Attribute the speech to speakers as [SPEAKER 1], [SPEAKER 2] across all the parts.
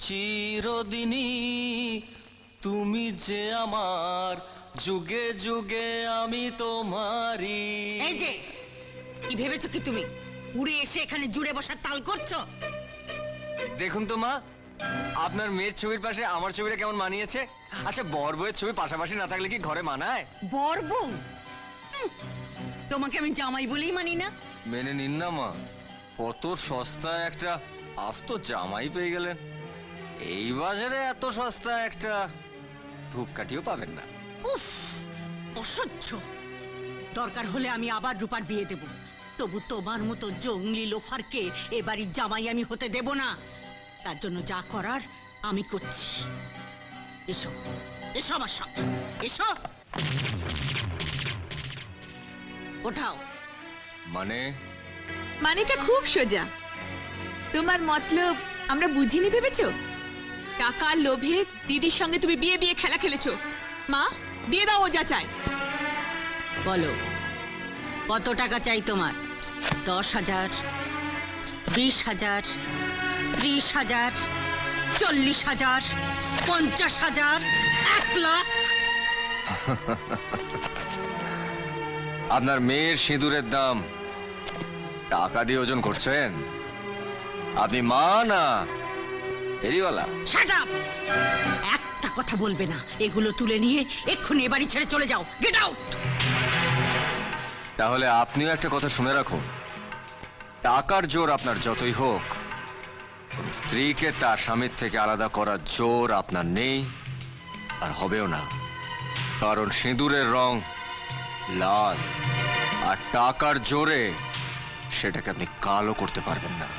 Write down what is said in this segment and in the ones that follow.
[SPEAKER 1] চিরদিনই তুমি যে আমার, যুগে যুগে আমি তোমারই।
[SPEAKER 2] এই যে কি ভেবেছো কি তুমি উড়ে এসে এখানে জুড়ে বসার তাল করছো?
[SPEAKER 1] দেখুন তো মা, আপনার মেয়ের ছবির পাশে আমার ছবিটা কেমন মানিয়েছে। আচ্ছা, বর বউয়ের ছবি পাশাপাশি না থাকলে কি ঘরে মানায়?
[SPEAKER 2] বর বউ? তোমাকে আমি জামাই বলেই মানি না।
[SPEAKER 1] মেনে নিন না মা, কত সস্তা একটা আস্ত জামাই পেয়ে গেলেন। এই বাজারে এত সস্তা একটা ধূপকাঠিও পাবেন না।
[SPEAKER 2] উফ, অসহ্য। দরকার হলে আমি আবার রূপার বিয়ে দেব, তবু তোমার মতো জঙ্গলি লোফারকে এ বাড়ির জামাই আমি হতে দেব না। তার জন্য যা করার আমি করছি। এসো এসো আমার সঙ্গে, এসো। ওঠাও।
[SPEAKER 3] মানেটা খুব সোজা। তোমার মতলব আমরা বুঝিনি ভেবেছো? টাকার লোভে দিদির সঙ্গে তুমি বিয়ে বিয়ে খেলা খেলেছো। মা, দিয়ে দাও ও যা চায়।
[SPEAKER 2] বলো, কত টাকা চাই তোমার? 10,000, 20,000, 30,000, 40,000, 50,000, 1 লাখ?
[SPEAKER 1] আপনার মেয়ের সিঁদুরের দাম টাকা দিয়ে ওজন করছেন? আপনি মা না এরিওয়ালা?
[SPEAKER 2] Shut up! একটা কথা বলবে না। এগুলো তুলে নিয়ে এক্ষুনি এ বাড়ি ছেড়ে চলে যাও। Get out!
[SPEAKER 1] তাহলে আপনিও একটা কথা শুনে রাখুন, টাকার জোর আপনার যতই হোক, স্ত্রীকে তার স্বামীর থেকে আলাদা করার জোর আপনার নেই আর হবেও না। কারণ সিঁদুরের রং লাল, আর টাকার জোরে সেটাকে আপনি কালো করতে পারবেন না।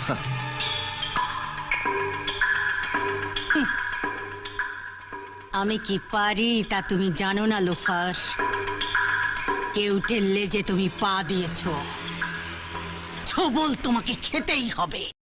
[SPEAKER 2] আমি কি পারি তা তুমি জানো না লোফার। কেউ টেললে যে তুমি পা দিয়েছো, ছবল তোমাকে খেতেই হবে।